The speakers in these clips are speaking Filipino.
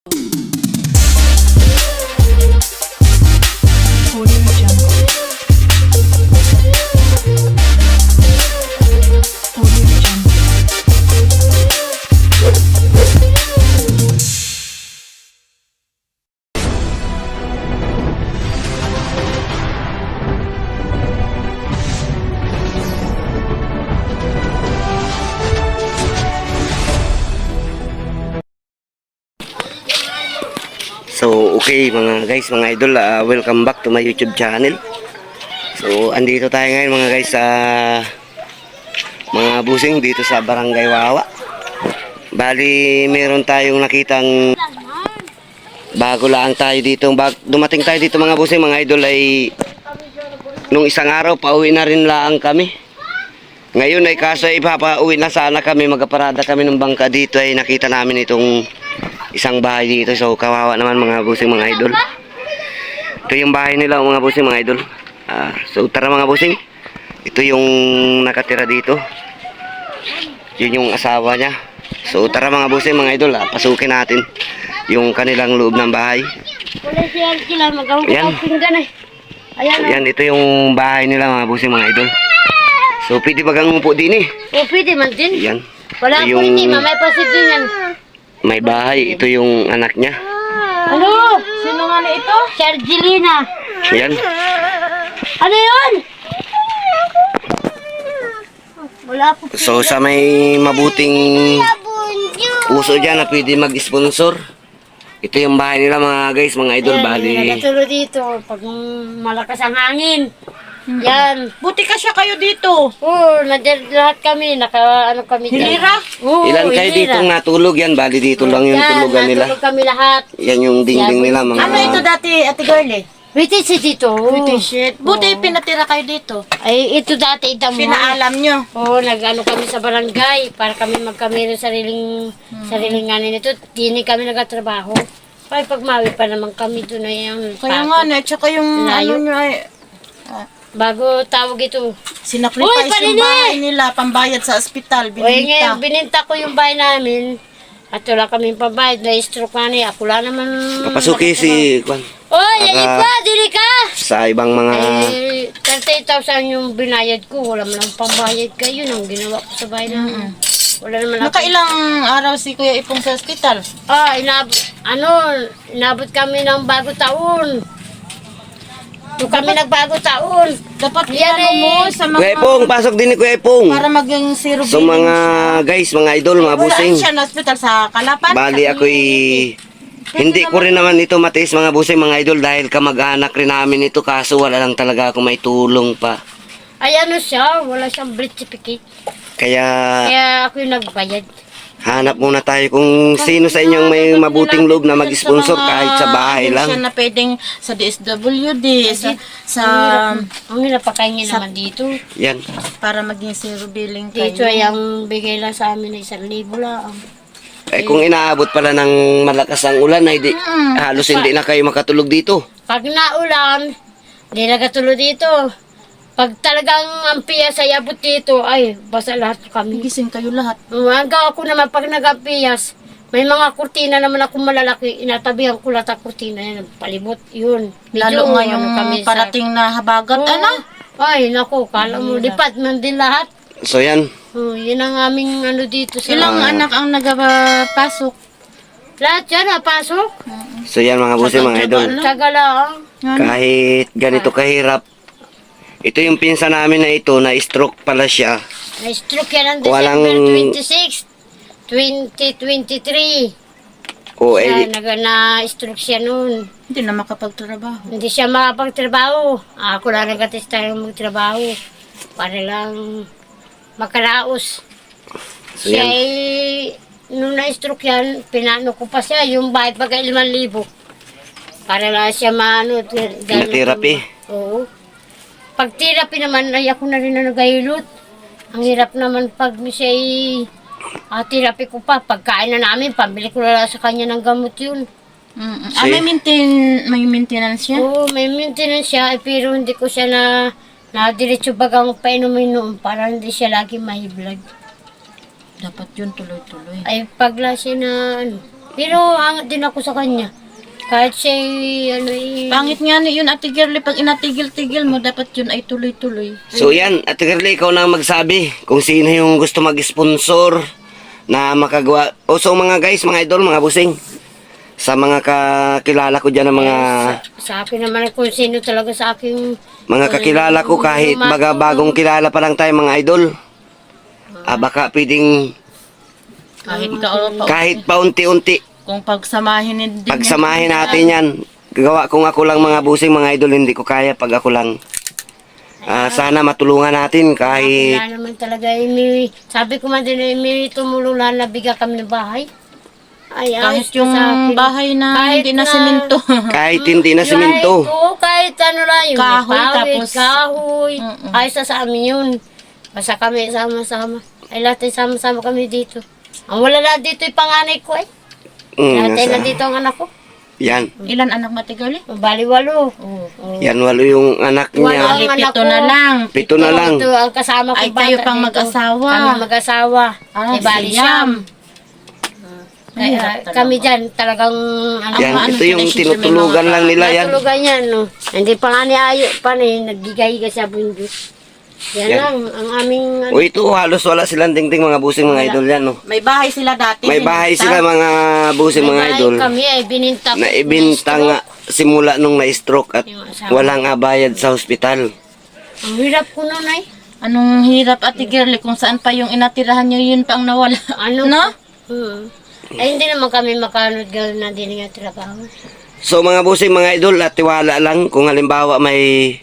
So okay mga guys, mga idol, welcome back to my YouTube channel. So andito tayo ngayon mga guys sa mga busing dito sa Barangay Wawa. Bali meron tayong nakitang bago lang tayo dito. Dumating tayo dito mga busing, mga idol, ay nung isang araw pauwi na rin lang kami. Ngayon ay kaso ipapauwi na sana kami, magaparada kami ng bangka dito, ay nakita namin itong isang bahay dito. So kawawa naman mga busing, mga idol. Ito yung bahay nila mga busing, mga idol. So tara mga busing, ito yung nakatira dito, yun yung asawa niya. So tara mga busing, mga idol, pasukin natin yung kanilang loob ng bahay. Yan, ito yung bahay nila mga busing, mga idol. So pwede ba kang umupo din eh? O pwede man din. Yan. Wala po hindi, mamay pasit din yan. May bahay, ito yung anak niya. Ano? Sino nga na ito? Si Argelina. Yan. Ano yun? Wala po. So sa may mabuting uso dyan na pwede mag-sponsor, ito yung bahay nila mga guys, mga idol. Bali Nagatulo dito pag malakas ang hangin. Yan. Buti ka siya kayo dito. Oo, lahat kami, ano kami dyan. Hilira? Oo, ilan kayo hilira. ditong natulog yan? Bali dito lang yung tulugan nila. Natulog kami lahat. Yan yung dingding nila mga. Ano ito dati, Ate Girlie? British dito. British shit. Buti pinatira kayo dito. Ay, ito dati, ito mo. Pinaalam nyo. Oo, nag-ano kami sa barangay para kami magkamero sariling nganin ito. Di kami nagtatrabaho. Ay, pagmawi pa naman kami doon na yung Kaya nga na, tsaka yung Layo. ano nyo ay, bago tawag ito. Uy, sinacrifice panini! yung bahay nila, pambayad sa ospital, Uy, bininta. ngayon, bininta ko yung bahay namin. At wala kaming pambayad, na-stroke na niya. Ako lang naman. Papasuki si Kwan Uy, yan pa, dili ka! sa ibang mga. Eh, 38,000 yung binayad ko. Wala man lang pambayad kayo. Yun ang ginawa ko sa bahay namin. Wala naman ako. Nakailang araw si Kuya Ipong sa ospital? Inabot kami ng bago taon. Doon kami nagbago taon. Dapat Yan iano mo sa mga, Kuya Epong, pasok din ni Kuya Epong. para maging zero So billing mga guys, mga idol, mga Wala busing. siya na ospital sa Kalapan. Bali ako'y hindi ko rin naman ito matiis mga busing, mga idol, dahil kamag-anak rin namin ito, kaso wala lang talaga ako may tulong pa. Ay ano siya, wala siyang birth certificate. Kaya Kaya ako yung nagbayad. hanap muna tayo kung sino sa inyong may mabuting loob na mag-sponsor kahit sa bahay Siya lang. na pwedeng sa DSWD, sa Ang napakaingin naman dito. Yan. para maging zero billing kayo. Dito ay ang bigay lang sa amin ay 1,000 lang. Eh kung inaabot pala ng malakas ang ulan ay halos hindi na kayo makatulog dito. Pag naulan, hindi nagatulo dito. Pag talagang ang piyas ay abot dito, ay basa lahat kami. Gising kayo lahat. Hanggang ako naman pag nag-apiyas, may mga kurtina naman ako malalaki, inatabihan ko lahat ang kurtina yan, palibot, yun. Lalo Medyo, ngayong kami sa- parating na habagat, Oo. ano? Ay, naku, kala mo, department din lahat. So yan. Yun ang aming ano dito sa... Ilang anak ang nagpasok? Lahat yan, napasok. So yan mga busing, mga idol. Tsaga lang. Kahit ganito kahirap, ito yung pinsan namin na ito, na stroke pala siya. Na-stroke yan ang Walang- December 26, 2023. O Siya, eh, na-stroke siya noon. Hindi na makapagtrabaho. Hindi siya makapagtrabaho. Ako lang nag-atest tayo magtrabaho. Para lang makaraos. so Siya yan. ay, nung na-stroke yan, pinano ko pa siya, yung bayad pagka 5,000. Para lang siya maano. Na-therapy. Oo. Pag therapy naman, ay ako na rin na nagahilot. Ang hirap naman pag siya ay therapy ko pa. Pagkain na namin, pambili ko na lang sa kanya ng gamot yun. May maintenance siya? Oo, may maintenance siya, pero hindi ko siya na diretso bagang painumin noon para hindi siya lagi mahiblag. Dapat yun tuloy-tuloy. Ay pagla siya na ano, Pero hangat din ako sa kanya. Kahit siya ano Pangit nga ni yun, Ate Girlie, pag inatigil-tigil mo, dapat yun ay tuloy-tuloy. So yan, Ate Girlie, ikaw na ang magsabi kung sino yung gusto mag-sponsor na makagawa. O so mga guys, mga idol, mga busing, sa mga kakilala ko dyan ng mga sa akin naman kung sino talaga sa aking mga kakilala ko kahit baga bagong kilala pa lang tayo mga idol. Baka pwedeng kahit paunti-unti Kung pagsamahin din pagsamahin natin yan. Gawa kung ako lang mga busing mga idol, hindi ko kaya pag ako lang. Sana matulungan natin kahit wala naman talaga sabi ko man din may tumulong na nabigyan kami ng bahay. Ay, Kahit ayos yung sa akin. bahay na Kahit hindi na na- semento. kahit hindi na semento. Kahit ano lang yung Kahoy, may pawid, tapos- kahoy. Mm-mm. Ayos na sa amin yun. Basta kami sama-sama. Ay lahat ay sama-sama kami dito. Ang wala na dito yung panganay ko eh. Lahat ay Nasa, nandito ang anak ko. yan. Ilan anak mo, Ate Girlie? Bali walo. Yan, walo yung anak Walo niya. ang Bali, anak pito ko. na lang. Pito na lang. Ito ang kasama ko. Ay, kayo pang mag-asawa. Kami mag-asawa. Ah, Ay, bali siyam. siyam. Kami dyan talagang ano, Yan, ano ito sila, yung siyempre, tinutulugan lang nila yan. natulugan yan, no. Hindi pa nga niayo pa naggigahiga sa bunyo. Yan, Yan. lang ang aming ano. O ito, halos wala silang dingding mga busing mga idol yan, no. May bahay sila dati. May bahay bininta. sila mga busing mga May idol. bahay kami ay bininta ko. Na ibinta nga simula nung na-stroke at Yung asawa. walang bayad sa hospital. Ang hirap ko nun ay. Anong hirap, Ate Girlie, kung saan pa yung inatirahan nyo, yun pa ang nawala. Ano? No? Ay hindi naman kami makanod gawin na din nga trabaho. So mga busing mga idol, at tiwala lang kung halimbawa may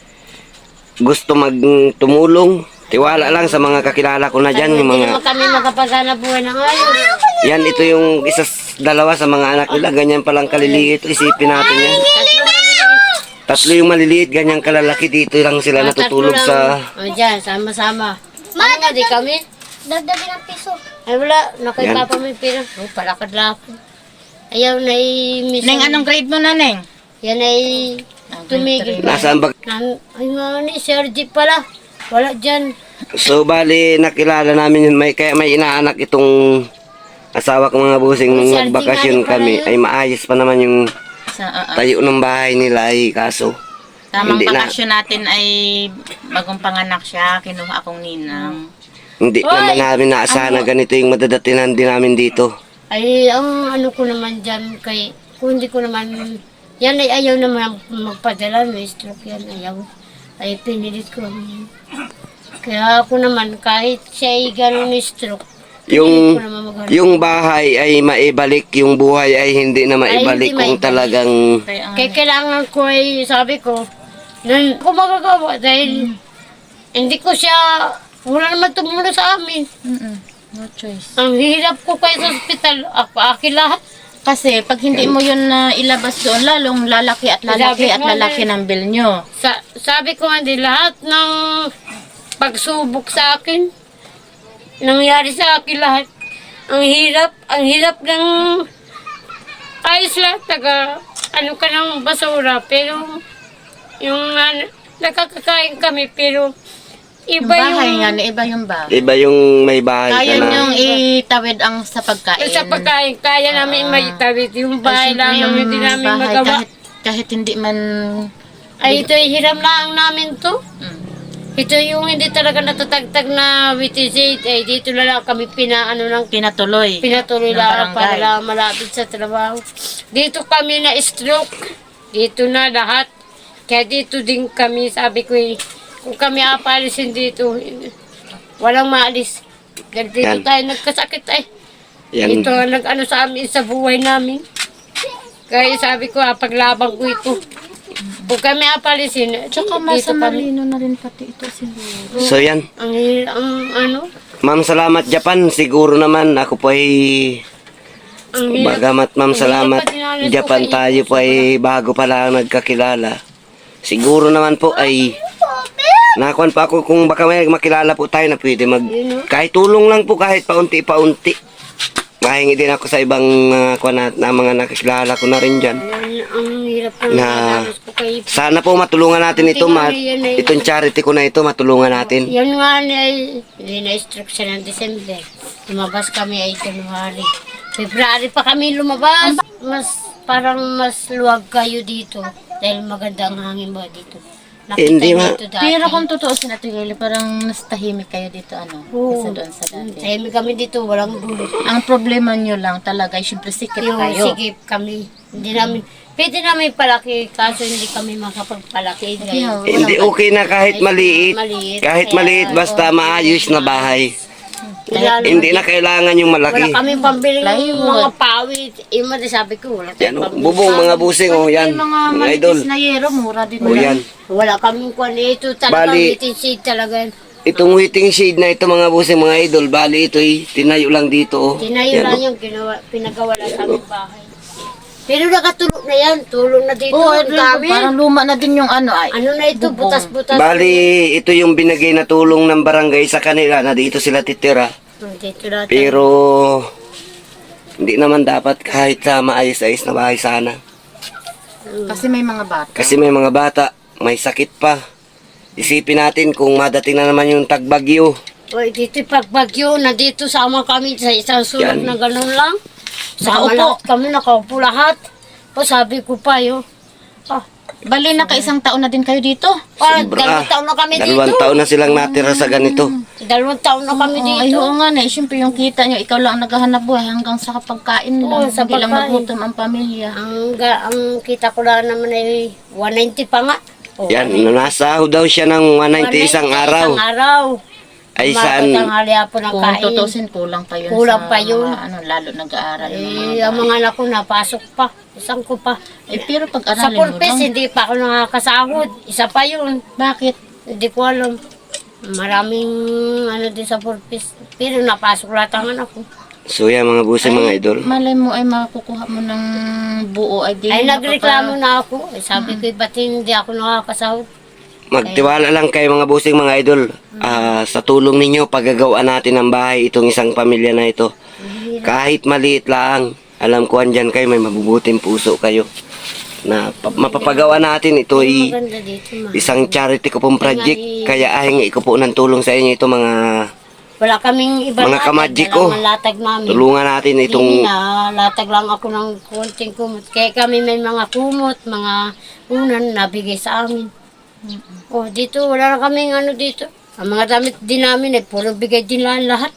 gusto magtumulong, tiwala lang sa mga kakilala ko na dyan, yung Hindi mga naman kami makapaghanap buhay ng ayos. yan, ito yung dalawa sa mga anak nila, ganyan palang kaliliit, isipin natin yan. Tatlo yung maliliit, ganyan kalalaki, dito lang sila natutulog sa... O dyan, sama-sama. Ano nga di kami? Dagdagin ng piso. Ay wala, nakay Yan. papa may pera. Oh, palakad-lakad. Ayaw na Neng, anong grade mo na, Neng? Yan ay tumigil pa. Nasaan ba? Ay nga ni, Sir Jeep pala. Wala dyan. So bali, nakilala namin yun, kaya may inaanak itong asawa ko mga busing nung Sir, nagbakasyon di nga, kami, di pala ay maayos pa naman yung Sa, tayo ng bahay nila ay kaso. tamang Hindi na. bakasyon natin ay bagong panganak siya, kinuha akong ninang. Hindi naman namin naasahan na ganito yung madadatinan din namin dito. Ay, ang ano ko naman dyan kay, kung hindi ko naman, yan ay ayaw naman magpadala, may stroke yan, ayaw. Ay, pinilit ko naman. Kaya ako naman, kahit siya ay gano'n ni stroke, Yung ko naman maghanap. yung bahay ay maibalik, yung buhay ay hindi na maibalik hindi kung maibalik. talagang Kaya ang Kaya kailangan ko ay, sabi ko, nun ako magagawa dahil hindi ko siya, wala naman tumulong sa amin. no choice. Ang hirap ko kayo sa ospital, akin lahat. Kasi pag hindi mo yun na ilabas doon, lalong lalaki at lalaki at lalaki ng bill nyo. Sabi ko nga din, lahat ng pagsubok sa akin, nangyari sa akin lahat. Ang hirap ng ayos lahat, ano ka ng basura, pero yung nakakakain kami, pero Yung iba bahay yung, nga, iba yung bahay. iba yung may bahay ka Kaya na. niyong itawid ang sa pagkain. sa pagkain, kaya namin may tawid, yung bahay Ay, lang siyempre, namin hindi namin bahay, magawa. kahit hindi man... Ay, ito hiram lang namin to. Mm. Ito yung hindi talaga natatagtag na WTZ, ay dito na lang kami pinatuloy Ng lang barangay. para lang malapit sa trabaho. Dito kami na stroke. Dito na lahat. Kaya dito din kami, sabi ko kung kami apalisin dito, walang maalis. Dahil dito Yan. tayo nagkasakit ay. Yan. Ito ang nag-ano sa amin sa buhay namin. Kaya sabi ko, paglabang ko ito. Kung kami apalisin, Tsaka dito masa kami. marino na rin pati ito siguro. So yan. Ang ano, Ma'am, salamat Japan. Siguro naman ako po ay ang hirap. bagamat ma'am Ang salamat hirap pa dinanas ko Japan kayo. tayo po ay bago pa lang nagkakilala. Siguro naman po ay nakakuan pa ako kung baka may makilala po tayo na pwede kahit tulong lang po kahit paunti-paunti. Mahingi din ako sa ibang na mga nakikilala ko na rin dyan. Ang hirap na Na dinanas ko kayo. sana po matulungan natin ito, itong charity ko na ito matulungan natin. Yan nga ay na-stroke siya ng December. Lumabas kami ay January. February pa kami lumabas. Parang mas luwag kayo dito. Dahil maganda ang hangin mo dito. Nakita Hindi, niyo ma. ito dati. Pero kung totoo si Ate Gayla, parang mas tahimik kayo dito, ano? Oo. Kaysa doon sa dati. Tahimik kami dito, walang gulo. Ang problema nyo lang talaga, syempre sikip Yung kayo. sigip kami. Hindi namin, pwede namin palaki, kaso hindi kami makapagpalaki. Kaya, Ngayon. Hindi okay na kahit maliit. Maliit. Kahit Kaya, maliit, basta maayos na bahay. Lalo, Hindi na kailangan yung wala malaki. kami pambili ng Plywood. mga pawid. Ima, sabi ko, wala Yan, tayong oh, pambili. bubong, mga busing, oh, yan. Yung mga Mga idol. manipis na yero, mura din Oh, yan. Wala kaming kwan. Ito talaga, Bali- waiting shade talaga. Itong waiting shade na ito, mga busing, mga idol, bali ito tinayo lang dito, oh. Tinayo Yan, lang oh. yung pinagawa lang sa aming bahay. Pero nakatulog na yan. Tulong na dito. Oo, ang dami. parang luma na din yung ano ay. Ano na ito? Bubong. Butas-butas. Bali, ito yung binigay na tulong ng barangay sa kanila na dito sila titira. Dito na. Pero, hindi naman dapat kahit sa maayos-ayos na bahay sana. Kasi may mga bata. Kasi may mga bata, may sakit pa. Isipin natin kung madating na naman yung tagbagyo. O, dito pagbagyo, na dito sama kami sa isang sulok Yan. na gano'n lang. Sama Nakaupo. lahat kami, nakaupo lahat. O, sabi ko pa yun. Bali, naka-isang taon na din kayo dito. Dalawang taon na kami Dalawang dito. taon na silang natira sa ganito. 2 taon na kami Ay, dito. oo nga na. Siyempre, yung kita nyo, ikaw lang ang naghahanap buhay hanggang sa pagkain lang. Oo, sa Hindi lang pagkain. magutom ang pamilya. Ang kita ko lang naman ay 190 pa nga. O, Yan, nasahod daw siya ng 190 isang araw. Isang araw. Ay Umaga saan, tanghali po ng Kung kain. tutusin, kulang pa yun Kulang sa pa yun. mga, ano, lalo nag-aaral yung mga Eh, ang mga anak ko napasok pa. Isang ko pa. Eh, pero Sa pag-aralin mo purpose, lang. hindi pa ako nakakasahod. Isa pa yun. Bakit? Hindi ko alam. Maraming ano din sa purpose. Pero napasok lahat ang anak ko. so yan mga busing, mga idol. Malay mo ay makukuha mo ng buo ay di. Ay, nagreklamo na ako. Eh, sabi ko, ba't hindi ako nakakasahod? Magtiwala lang kayo mga busing, mga idol. Sa tulong ninyo, paggagawaan natin ng bahay itong isang pamilya na ito. Kahit maliit lang, alam ko andyan kayo, may mabubuting puso kayo. Na mapapagawa natin ito ay Maganda dito, ma. isang charity ko pong project. Kaya ahingi ko po ng tulong sa inyo ito mga Wala kaming iba Mga kamadji ko. latag namin. tulungan natin Hindi itong na, latag lang ako ng konting kumot. Kaya kami may mga kumot, mga unan nabigay sa amin. Oh, dito, wala na kaming ano dito. Ang mga damit din namin, puro bigay din lang lahat.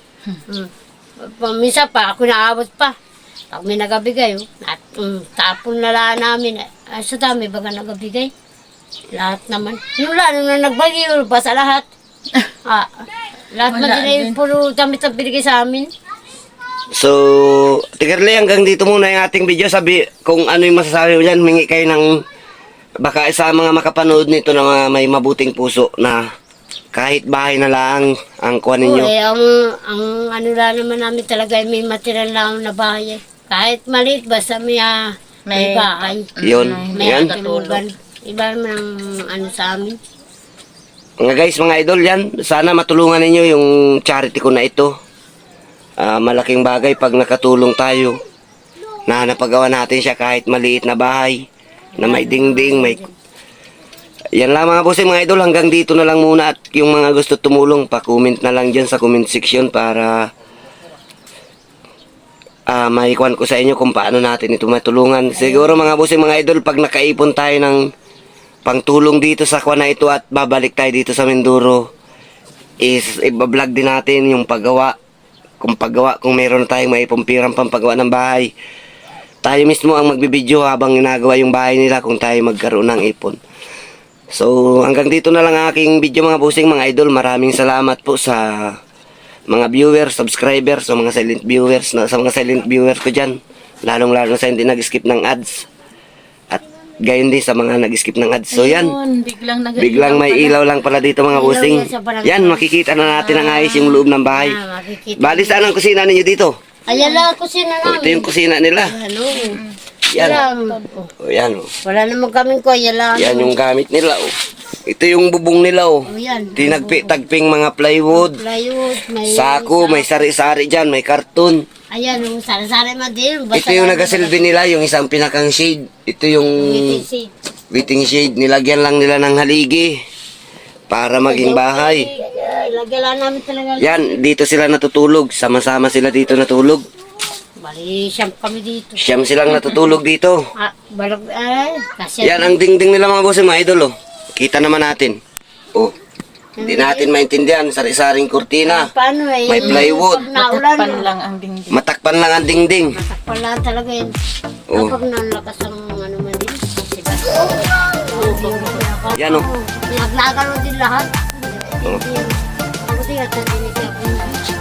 Minsan pa, ako naabot pa. Pag may nagabigay, tapon na lang namin. Ay, sa dami baga nagabigay. Lahat naman. Yung lalo na nagbagyo, basta lahat. Lahat Wala na din ay puro damit ang binigay sa amin. So, Tigarli, hanggang dito muna yung ating video. Sabi kung ano yung masasabi mo dyan, mingi kayo ng baka sa mga makapanood nito na mga may mabuting puso na kahit bahay na lang ang kuha ninyo. Oo, ang ano lang naman namin talaga ay may material lang na bahay. Kahit maliit, basta may bahay. Yun, May yan. katulugan. Iba naman ang ano sa amin. Mga guys, mga idol yan, sana matulungan ninyo yung charity ko na ito. Malaking bagay pag nakatulong tayo na napagawa natin siya kahit maliit na bahay na may dingding, may... Yan lang mga bossing, mga idol, hanggang dito na lang muna at yung mga gusto tumulong, pa-comment na lang dyan sa comment section para maikuan ko sa inyo kung paano natin ito matulungan. Siguro mga bossing, mga idol, pag nakaipon tayo ng pangtulong dito sa kuwan na ito at babalik tayo dito sa Mindoro, is ibablog din natin yung paggawa. Kung meron tayong maipumpirang pampagawa ng bahay, tayo mismo ang magbibideo habang ginagawa yung bahay nila kung tayo magkaroon ng ipon. So hanggang dito na lang aking video mga bossing, mga idol. Maraming salamat po sa mga viewers, subscribers, sa mga silent viewers, sa mga silent viewers ko dyan, lalong lalo sa hindi nag-skip ng ads, at gayon din sa mga nag-skip ng ads. So yan, Ayun, biglang may ilaw lang pala dito mga Ilaw bossing. yan sa barangay. Yan, makikita na natin ang ayos yung loob ng bahay. Makikita. Bali, saan ang kusina ninyo dito? Ayan lang ang kusina O, ito namin. yung kusina nila. Ano? Yan. Oh, O, yan o. wala naman kaming ko. Ayan lang. Yan yung gamit nila o. Ito yung bubong nila o. Oh, yan. Tinagping mga plywood. Plywood. May Sako, may sari-sari dyan, may karton. Ayan, yung sari-sari man din. Ito yung nagasilbi nila, yung isang pinakang shade. Ito yung waiting shade. Nilagyan lang nila ng haligi para maging bahay. Lagyan lang namin talaga. Yan, dito sila natutulog. Sama-sama sila dito natulog. Bali, siyam kami dito. Siyam silang natutulog dito. Balag, kasi Yan ang dingding nila mga boss, mga idol. Oh. Kita naman natin. Oh. Hindi natin maintindihan. Sari-saring kurtina. paano eh. May plywood. Pag naulan, Matakpan lang ang dingding. Matakpan lang ang dingding. matakpan lang talaga yun. Oh. Kapag nalakas ang ano man din. Sila. Yan oh. Naglagalo din lahat. Oh. Ako din at nandinitin ako.